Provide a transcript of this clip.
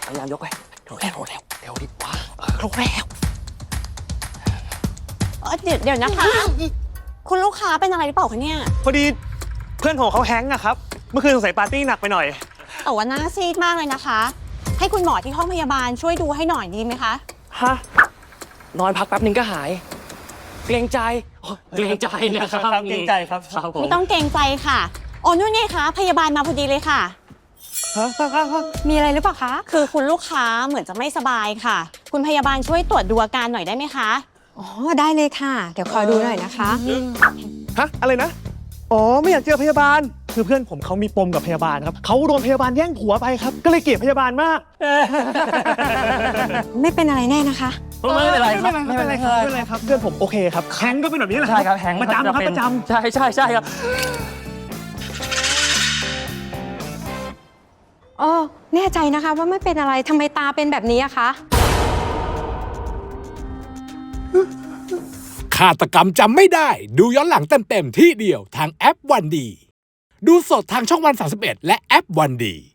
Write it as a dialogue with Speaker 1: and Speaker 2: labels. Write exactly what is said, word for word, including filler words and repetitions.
Speaker 1: พยายามยกไปเร็วแล้วเร็วเร็วดิว้าเออเร็วแล้ว
Speaker 2: เออเดี๋ยวเดี๋ยวนะคะ คุณลูกค้าเป็นอะไรหรือเปล่าคะเนี่ย
Speaker 1: พอดีเพื่อนของเขาแฮงก์อะครับเมื่อคืนสงสัยปาร์ตี้หนักไปหน่อย
Speaker 2: แต่ว่าหน้าซีดมากเลยนะคะ ให้คุณหมอที่ห้องพยาบาลช่วยดูให้หน่อยดีไหมคะ
Speaker 1: ฮะนอนพักแป๊บนึงก็หายเกรงใจ
Speaker 3: เกรงใจนะครับ
Speaker 1: เกรงใจครับ
Speaker 3: ครับผม
Speaker 2: ไม่ต้องเกรงใจค่ะโอ้นู่นไงคะพยาบาลมาพอดีเลยค่ะมีอะไรหรือเปล่าคะคือคุณลูกค้าเหมือนจะไม่สบายค่ะคุณพยาบาลช่วยตรวจดูอาการหน่อยได้ไหมคะ
Speaker 4: อ๋อได้เลยค่ะเดี๋ยวขอดูหน่อยนะคะ
Speaker 1: ฮะอะไรนะอ๋อไม่อยากเจอพยาบาลคือเพื่อนผมเขามีปมกับพยาบาลครับเขาโดนพยาบาลแย่งผัวไปครับก็เลยเกลียดพยาบาลมาก
Speaker 4: ไม่เป็นอะไรแน่นะคะ
Speaker 3: ไม่เป็นไรครับ
Speaker 1: ไม่เป็นไรครับไม่เป็นไรครับเพื่อนผมโอเคครับแฮงก์ก็เป็นแบบนี้แหละ
Speaker 3: ใช่ครับแฮงก์
Speaker 1: ประจำครับประจำ
Speaker 3: ใช่ใช่ใช่ครับ
Speaker 4: อ๋อแน่ใจนะคะว่าไม่เป็นอะไรทำไมตาเป็นแบบนี้อะคะ
Speaker 5: ฆาตกรรมจำไม่ได้ดูย้อนหลังเต็มๆที่เดียวทางแอปวันดีดูสดทางช่องวันสามสิบเอ็ดและแอปวันดี